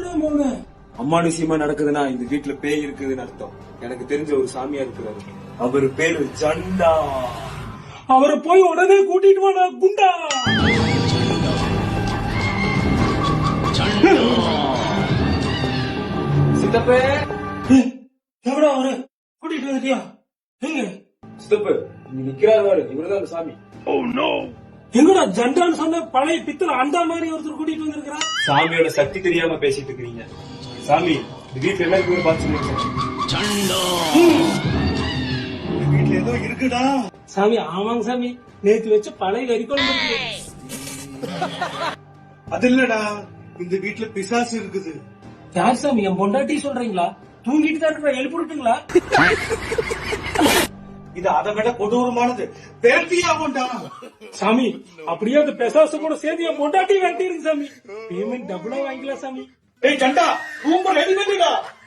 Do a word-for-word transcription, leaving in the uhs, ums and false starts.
தான் போனேன். அம்மானுஷியமா நடக்குதுன்னா இந்த வீட்டுல பேய் இருக்குதுன்னு அர்த்தம். எனக்கு தெரிஞ்ச ஒரு சாமியா இருக்கிறாரு, அவரு பேரு ஜண்டா. அவரை போய் உடனே கூட்டிட்டு வாடா குண்டா. சித்தப்பே, எவ்வளோ அவரு கூட்டிட்டு வந்துட்டியா? எங்க சித்தப்பு நீ நிக்கிறாரு, இவருதான் அந்த சாமி. எங்கடா ஜண்டான்னு சொன்ன பழைய பித்தளை அந்த மாதிரி ஒருத்தர் கூட்டிட்டு வந்திருக்கிறா. சாமியோட சக்தி தெரியாம பேசிட்டு இருக்கீங்க. சாமி இந்த வீட்டுல எல்லாருக்குமே பார்த்து வீட்டுல ஏதோ இருக்குடா. சாமி ஆமாங்க சாமி, நேத்து வச்ச பழைய கறி குழம்பு இருக்கு. அது இல்லடா, இந்த வீட்டுல பிசாசு இருக்குது. யார் சாமி? என் பொண்டாட்டி சொல்றீங்களா? தூங்கிட்டு தான் இருக்கிற, எழுப்பிட்டுங்களா? இது அதை விட கொடூரமானது. பேட்டியாகும்டா சாமி. அப்படியே அந்த பெசாசு கூட சேர்த்து என் பொண்டாட்டி வெட்டிருக்கு சாமி. பேமெண்ட் டபுளா வாங்கிக்கலாம் சாமி. ஏய் ஜண்டா, ரூம் ரெடி பண்ணிடா.